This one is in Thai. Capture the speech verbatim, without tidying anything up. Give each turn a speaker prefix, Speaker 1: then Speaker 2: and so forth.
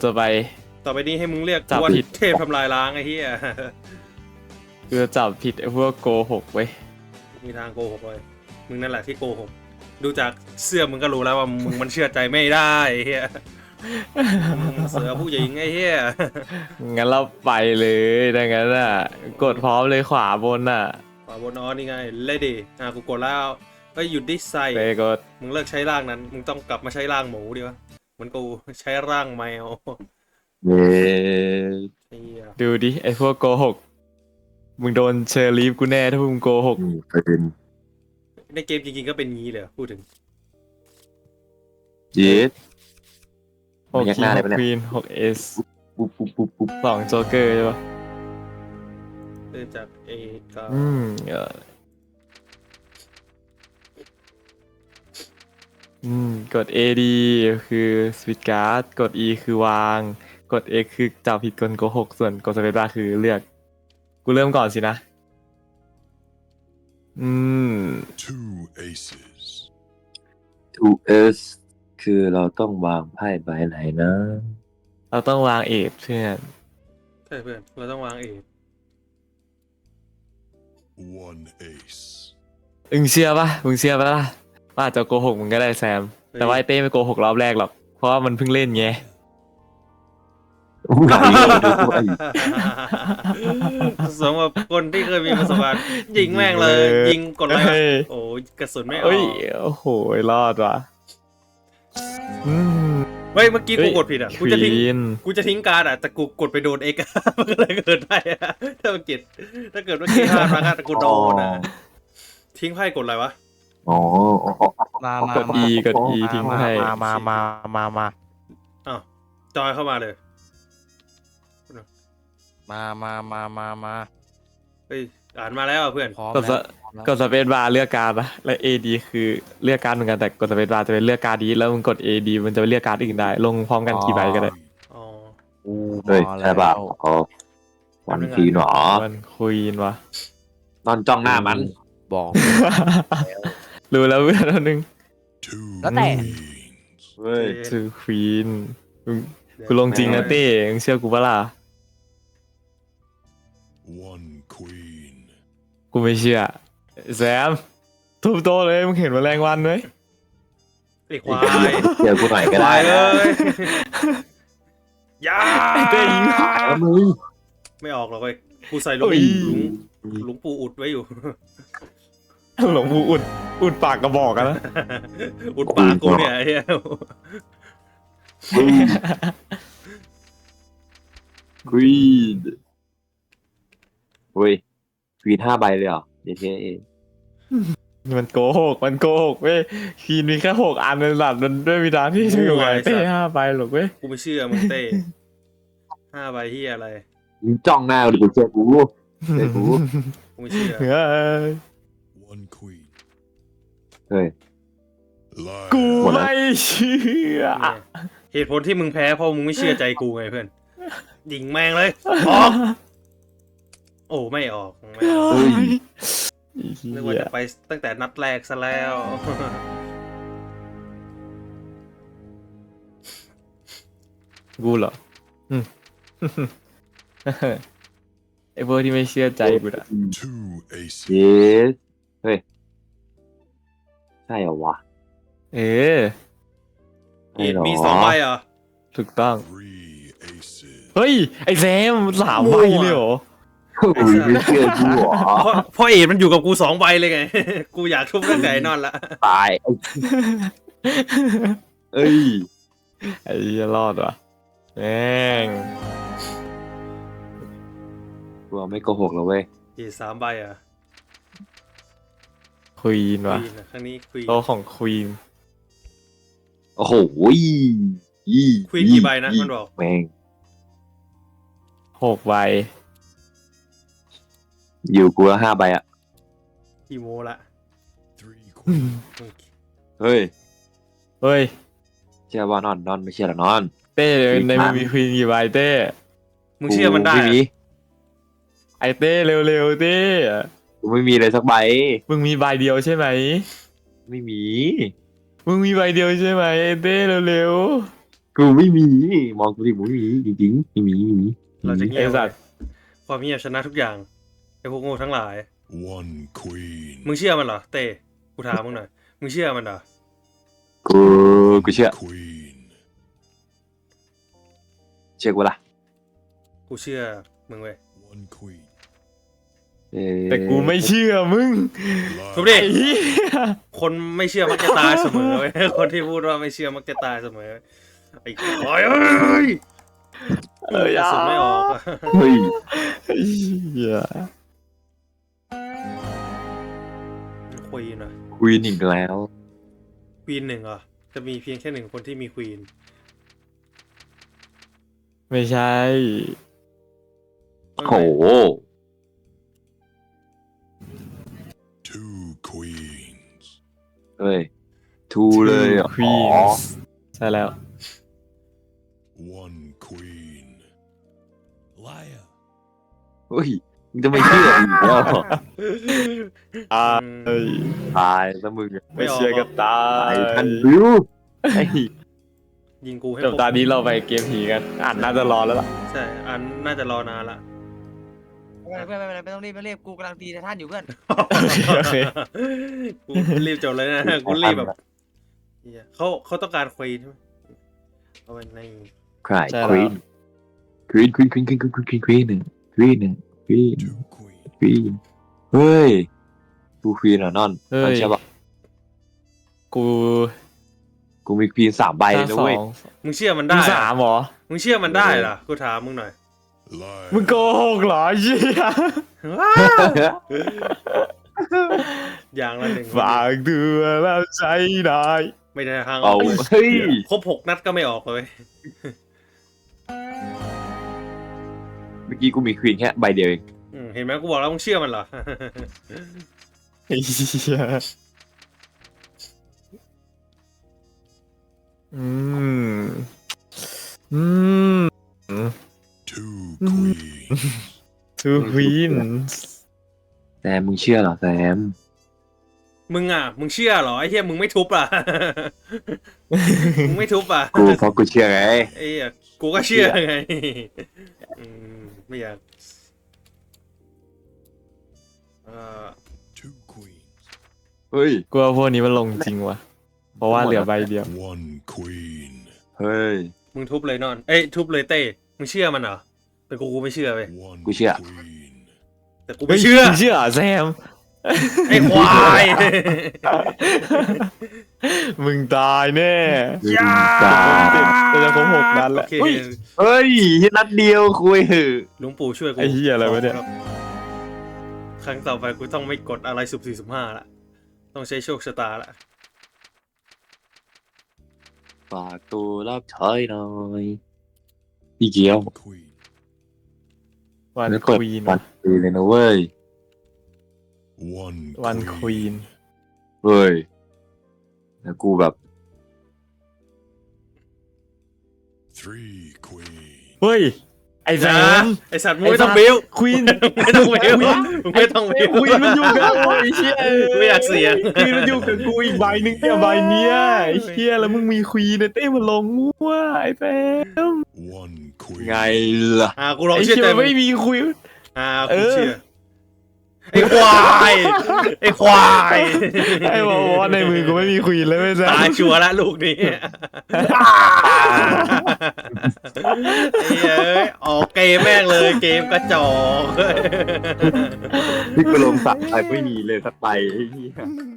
Speaker 1: จะไป
Speaker 2: ต่อไปนี้ให้มึงเรียก
Speaker 1: จับ
Speaker 2: ว่า
Speaker 1: ผิด
Speaker 2: เทพทำลายล้างไอ้เหี้ย
Speaker 1: คือจับผิดไอ้พวกโกหกเว้ย
Speaker 2: มีทางโกหกเลยมึงนั่นแหละที่โกหกดูจากเสื้อมึงก็รู้แล้วว่ามึงมันเชื่อใจไม่ได้ไอ้เหี้ยมึงเสือผู้หญิงไอ้เหี้ย
Speaker 1: งั้นเราไปเลยดังนั้นอ่ะกดพร้อมเลยขวาบนอ่ะ
Speaker 2: ขวาบนอ๋อนี่ไงเลดี้อ่ะกูกดแล้วเฮ้ยหยุดดิไซ
Speaker 1: ไปกด
Speaker 2: มึงเลิกใช้ร่างนั้นมึงต้องกลับมาใช้ร่างหมูดีวะเหมือนกูใช้ร่างแมว
Speaker 3: เย้
Speaker 2: ไอ้เหี้ย
Speaker 1: ดูดิไอ้พวกโกหกมึงโดนเชอร์ลีฟกูแน่ถ้ามึงโกหก
Speaker 3: อืมประเด็น
Speaker 2: ในเกมจริงๆก็เป็นงี้เลยพูดถึง
Speaker 3: เย็ด
Speaker 1: หก
Speaker 3: ยัก
Speaker 1: คิ
Speaker 3: ห
Speaker 1: ง
Speaker 3: น้า
Speaker 1: ห
Speaker 3: ได้
Speaker 1: ก
Speaker 3: ปะเนี่ย
Speaker 1: ควีนหกเอส
Speaker 3: ปุ๊บปุ๊บปุ๊บปุ๊บ
Speaker 1: สองโจ๊กเกอร์ใช่ปะ
Speaker 2: เริ่มจากเอก็
Speaker 1: อืมเอออืมกด A ดีคือสวิตการ์ดกด E คือวาง กด X คือจับผิดกลโกหกส่วนกดสเปซบาร์คือเลือก กูเริ่มก่อนสินะ อืม
Speaker 4: Two aces.
Speaker 3: ทูเอสคือเราต้องวางไพ่ใบไหนนะ
Speaker 1: เราต้องวางเอทเพื่อน
Speaker 2: ใช่เพื่อนเราต้องวางเอ
Speaker 4: One ace.
Speaker 1: มึงเชื่อปะมึงเชื่อปะล่ะว่าอาจจะโกหกมึงก็ได้แซม แต่ว่าไอเต้ไม่โกหกรอบแรกหรอก เพราะว่ามันเพิ่งเล่นไง
Speaker 3: อู้หลายเรื่องด้วย
Speaker 2: สำหรับคนที่เคยมีประสบการณ์ยิงแม่งเลย ยิงกดอะไรวะ
Speaker 1: เฮ้ย
Speaker 2: โอ้ยกระสุนไม่ออ
Speaker 1: เอ้ย
Speaker 2: ก
Speaker 1: โอ้โห รอดว่ะอืม
Speaker 2: เฮ้ยเมื่อกี้กูกดผิดอ่ะกูจะทิ้ง
Speaker 1: ควีน
Speaker 2: กูจะทิ้งการ์ดอ่ะแต่กูกดไปโดนเอ็ก มันก็เลยเกิดได้อะถ้ามันกิดถ้าเกิดว่ากี้พลาดมาก็กูโดนอ่ะทิ้งไพ่กดอะไรวะ
Speaker 3: อ๋ออ๋ออ๋อ
Speaker 5: มามาก
Speaker 1: ด E กด E ทิ้งให้
Speaker 5: มามามามามา
Speaker 2: อ้าวจอยเข้ามาเลย
Speaker 5: มามามามามา
Speaker 2: เฮ้ยอ่านมาแล้วอะเพื่อน
Speaker 5: พร้อม
Speaker 1: กดส
Speaker 5: แล้ว
Speaker 1: กดสเปซบาร์เลือกการ์ดนะและ A D คือเลือกการ์ดเหมือนกันแต่กดสเปซบาร์จะเป็นเลือกการ์ดดีแล้วมึงกด A D มันจะไปเลือกการ์ดอื่นได้ ลงพร้อมกันกี่ใบก็ได้
Speaker 2: อ๋อ
Speaker 5: อู้
Speaker 3: เฮ้ย
Speaker 5: มา
Speaker 3: ใช่ป่ะ
Speaker 5: แล้ว
Speaker 3: อ๋อวันทีหนอ
Speaker 1: มันควีนวะ
Speaker 3: นอนจ้องหน้ามัน
Speaker 5: บอก
Speaker 1: รู้แล้วเพื่อนอันนึง
Speaker 4: Two
Speaker 5: แล้วแต่
Speaker 4: queens.
Speaker 3: เฮ้ย
Speaker 1: คือควีนกูลงจริงนะเต้มึงเชื่อกูปะล่ะ
Speaker 4: One queen.
Speaker 1: กูไม่เชื่อแซมทุบโตะเลยมึงเห็นแมลงวันไหม
Speaker 2: ไอ้ควาย
Speaker 3: เจอกูหน่อยก็
Speaker 2: ควา
Speaker 3: ได้
Speaker 2: ยเล
Speaker 3: นะ
Speaker 2: ยอย่า
Speaker 1: ไอ้เต้ยิง
Speaker 3: แล้วมึง
Speaker 2: ไม่ออกหรอกเว้ยกูใส่หลวง
Speaker 1: โอ้ย
Speaker 2: หลวงหลวงปู่อุดไว้อยู่
Speaker 1: หลวงปู่อุดอุดปากกระบอกกันนะ
Speaker 2: อุดปากกูเนี่ยไอ้เหี้ย
Speaker 3: ควีนเฮ้ยควีนห้าใบเลยเหรอเดี๋ยวเท่
Speaker 1: มันโกหกมันโกหกเว้ยคีนมีแค่หกอันในหลัดมันด้วยวิธีที่จะอยู่ไงเต้ห้าใบหรอกเว้ย
Speaker 2: กูไม่เชื่อมึงเต้ห้าใบที่อะไร
Speaker 3: มึงจ้องหน้ากูเจอกูเจอกู
Speaker 2: กูไม่เชื่อ
Speaker 1: เฮ้ย
Speaker 4: One queen.
Speaker 3: เฮ้ย
Speaker 4: Liar.
Speaker 1: กู
Speaker 3: หมดแล้ว
Speaker 1: ไม่เชื่อ
Speaker 2: เนี่ยเหตุผลที่มึงแพ้เพราะมึงไม่เชื่อใจกูไงเพื่อนยิงแม่งเลยออกโอ้ไม่ออกไม่ออก
Speaker 3: เฮ้ย
Speaker 2: นึกว่าจะไปตั้งแต่นัดแรกซะแล้ว
Speaker 1: กูเหรออืมไอ้พวกที่ไม่เชื่อใจกูอะ
Speaker 4: Two aces.
Speaker 3: เย้เฮ้ยใช่เหรอวะ
Speaker 1: เออ
Speaker 2: เอ็ดมีสองใบเหรอ
Speaker 1: ถูกต้อง
Speaker 4: Three aces.
Speaker 1: เฮ้ย ไอ้แซมสามใบเลยเหรอ
Speaker 3: เฮ้ยไม่เชื่อกูเหรอ
Speaker 2: เพราะเพราะเอ็ดมันอยู่กับกูสองใบเลยไง กูอยากทุบตั้งแต่ไอ้นอนละ
Speaker 3: ตายไอ้เอ้ย
Speaker 1: ไอ้เหี้ยรอดว่ะแม่ง
Speaker 3: กูไม่โกหกแล้วเว้ย
Speaker 2: เอ็ดสามใบเหรอ่ะ
Speaker 1: ควีน
Speaker 2: ค
Speaker 1: ว่ะ
Speaker 2: วีนครั้งนี้ควีน
Speaker 1: โตะของควีน
Speaker 3: โอ้โหอี
Speaker 2: ควีนกี่ใบนะมันบอก
Speaker 3: แม่ง
Speaker 1: หกใบ
Speaker 3: อยู่กูแล้วห้าใบอ่ะ
Speaker 2: กี่โมละ
Speaker 4: Three queens.
Speaker 3: เฮ้ย
Speaker 1: เฮ้ย
Speaker 3: เชื่อว่านอนนอนไม่เชื่อหรอนอน
Speaker 1: เต้ในมือมีควีนกี่ใบเต้
Speaker 2: มึงเชื่อมันได้
Speaker 3: กูไม่มี
Speaker 2: อะ
Speaker 1: ไอเต้เร็วๆเต้
Speaker 3: กูไม่มีเลยสักใบ
Speaker 1: มึงมีใบเดียวใช่ไหม
Speaker 3: ไม่มี
Speaker 1: มึงมีใบเดียวใช่ไหมไอเต้เร็ว
Speaker 3: กูไม่มีมองกูดิมึงไม่มีจริงๆไม่มีไม่มี
Speaker 2: เราจะเงี
Speaker 1: ไอ้
Speaker 2: ยบ
Speaker 1: สัตว์
Speaker 2: ความเงียบชนะทุกอย่างไอ้พวกโง่ทั้งหลาย
Speaker 4: One queen.
Speaker 2: มึงเชื่อมันเหรอเต้กูถามมึงหน่อยมึงเชื่อมันเหรอ
Speaker 3: กูกูเชื่อ
Speaker 4: Queen.
Speaker 3: เชื่อกูละ
Speaker 2: กูเชื่อมึงเว้ย
Speaker 4: One queen.
Speaker 3: เอ่อ
Speaker 1: แต่กูไม่เชื่อมึง
Speaker 2: ทุบ
Speaker 4: Liar.
Speaker 2: ดิ
Speaker 1: ไอ้เหี้ย
Speaker 2: คนไม่เชื่อมักจะตายเสมอเว้ย คนที่พูดว่าไม่เชื่อมักจะตายเสมอไอ้ควายเอ้ย
Speaker 1: เอ้ย
Speaker 2: กระสุนไม่ออกอะ
Speaker 3: เฮ้ย
Speaker 1: ไอ้เหี้ย
Speaker 2: ควีนเหรอ
Speaker 3: ควีนอีกแล้ว
Speaker 2: ควีนหนึ่งเหรอจะมีเพียงแค่หนึ่งคนที่มีควีน
Speaker 1: ไม่ใช่
Speaker 3: โห
Speaker 4: Two queens.
Speaker 3: เฮ้ยทูเลยเหรอ
Speaker 1: ควี
Speaker 3: อ๋อน
Speaker 1: ใช่แล้ว
Speaker 4: One queen. Liar.
Speaker 3: เฮ้ยมึงจะไม่เชื่ออีกแล้วเหรอ
Speaker 1: อ่าเอ้ย
Speaker 3: ตายซะมึงอะ
Speaker 1: ไม่เชื่อก็ตา
Speaker 3: ตาย
Speaker 1: ย
Speaker 3: ทันบิวไอ้
Speaker 2: ยิงกูให้
Speaker 1: จบตอนนี้เราไปเกมผีกันอ่านน่าจะรอแล้วล่ะ
Speaker 2: ใช่อันน่าจะรอนานละ
Speaker 6: ไม่เป็นไรไม่เป็นไรไม่ต้องรีบไม่รีบกูกำลังตีไททันอยู่เพื่อน
Speaker 1: โอเค
Speaker 2: กูรีบจบเลยนะกูรีบแบบเหี้ยเขาเขาต้องการควีนใช่ไหมเอาไปใน
Speaker 3: ใคร
Speaker 1: ใช่
Speaker 3: ค
Speaker 1: แล้ว
Speaker 3: วีนควีนควีนควีนควีนควีนควีนควีนหนึ่งควีนหนึ่งควีน
Speaker 4: Two queens.
Speaker 3: ควีนเฮ้ยกูควีนเหรอนอน
Speaker 1: เฮ้
Speaker 3: นอน
Speaker 1: ย
Speaker 3: ใช่ปะ
Speaker 1: กู
Speaker 3: กูมีควีนสามใบเลยนะ
Speaker 1: สอ
Speaker 3: เว้ย
Speaker 1: ง
Speaker 2: มึงเชื่อมัน
Speaker 1: มึ
Speaker 2: ได้
Speaker 1: ง
Speaker 2: เหร
Speaker 1: สา
Speaker 2: อ
Speaker 1: มเหรอ
Speaker 2: มึงเชื่อมันได้เหรอกูถามมึงหน่อย
Speaker 4: Liar.
Speaker 1: มึงโกหกเหรอเหี้ย
Speaker 2: อย่างละหนึ่ง
Speaker 1: ฝากดูแล้วใจได้
Speaker 2: ไม่ได้ทางอ
Speaker 3: เอา
Speaker 2: อกเลย
Speaker 3: เฮ้ย
Speaker 2: ครบหกนัดก็ไม่ออกเลย
Speaker 3: เมื่อกี้กูมีควีนแค่ใบเดียวเอง
Speaker 2: อืมเห็นไหมกูบอกแล้วมึงเชื่อมันเหรอ
Speaker 1: ไอ้เหี้ยอืมอืม
Speaker 4: Two queens.
Speaker 1: two queens
Speaker 3: แซมมึงเชื่อเหรอแซม
Speaker 2: มึงอ่ะ มึงเชื่อเหรอไอ้เหี้ยมึงไม่ทุบอ่ะ มึงไม่ทุบอ่ะ
Speaker 3: กูเพราะกูเชื่อไง
Speaker 2: ไอ้เหี้ยกูก็เชื่อไงอืมไม่อยากเอ่อ
Speaker 4: Two queens.
Speaker 3: เฮ้ย
Speaker 1: กูว่าพวกนี้มันลงจริงว่ะ เพราะว่าเหลือใบเดียว
Speaker 4: One queen.
Speaker 3: เฮ้ย
Speaker 2: มึงทุบเลยนอน เอ้ยทุบเลยเต้ มึงเชื่อมันเหรอ แต่กูกูไม่เชื่อเว้ย
Speaker 4: One
Speaker 3: กูเชื่อ
Speaker 4: queen.
Speaker 2: แต่กูไม่เชื่อ
Speaker 1: มึงเชื่อเหรอแซม
Speaker 2: ไอ้ควาย
Speaker 1: มึงตายแน่
Speaker 2: อย่า
Speaker 3: ตาย
Speaker 1: จะจะครบหกนัด
Speaker 2: โอ
Speaker 1: แล้ว
Speaker 2: เค
Speaker 1: เฮ้ย
Speaker 3: เฮ้ยนัดเดียวคุยเหอะ
Speaker 2: หลวงปู่ช่วยกู
Speaker 1: ไอ้เหี้ยอะไรวะเนี่ย
Speaker 2: ครับครั้งต่อไปกูต้องไม่กดอะไรสุบสี่สุบห้าละ ต้องใช้โชคชะตาละ
Speaker 3: ฝากตัวรับใช้หน่อยอีเกียว
Speaker 4: Queen.
Speaker 1: วัน
Speaker 3: แล้ว
Speaker 1: ค
Speaker 3: เปิด
Speaker 1: วีน
Speaker 3: ปัดตีเลยนะเว้ย
Speaker 4: One
Speaker 1: วันควีน
Speaker 3: เฮ้ยแล้วกูแบบ
Speaker 4: Three queens.
Speaker 1: เฮ้ย ไอ้แซม
Speaker 2: ไอสัตว์มึงไม่ต้องบิ้ว
Speaker 1: ควีน
Speaker 2: ไม่ต้องบิ้วมึงไม่ต้องบิ้ว
Speaker 1: ควีนมันอยู่กับกูไอ้เชี่ย
Speaker 2: ไม่อยากเสียง
Speaker 1: ควีนมันอยู่กับกูอีกใบหนึงเนี่ยใบเนี้ยไอ้เชี่ยแล้วมึงมีควีนเนี่ยเต้มันลงมั่วไอ้แซม
Speaker 4: One queen.
Speaker 3: ไงล่ะ
Speaker 2: อ่ากูลอง
Speaker 1: ไอ้
Speaker 2: เชื่อ
Speaker 1: เชี่ย
Speaker 2: ใจ
Speaker 1: มัน
Speaker 2: มึง
Speaker 1: ไม่มีควีน
Speaker 2: อ่า
Speaker 1: เอ
Speaker 2: กู
Speaker 1: อ
Speaker 2: เชื่อ ไอ้ควาย ไอ้ควาย
Speaker 1: ไอ้บอกว่าในมือกูไม่มีควีนเลยไม่ใช่
Speaker 2: ตายชัวร์ละลูกนี้ไอ้เอ้ยออกเกมแม่งเลยเกมกระจอก
Speaker 3: ที่กูลงสักไปไม่มีเลยสักใบไอ้เหี้ย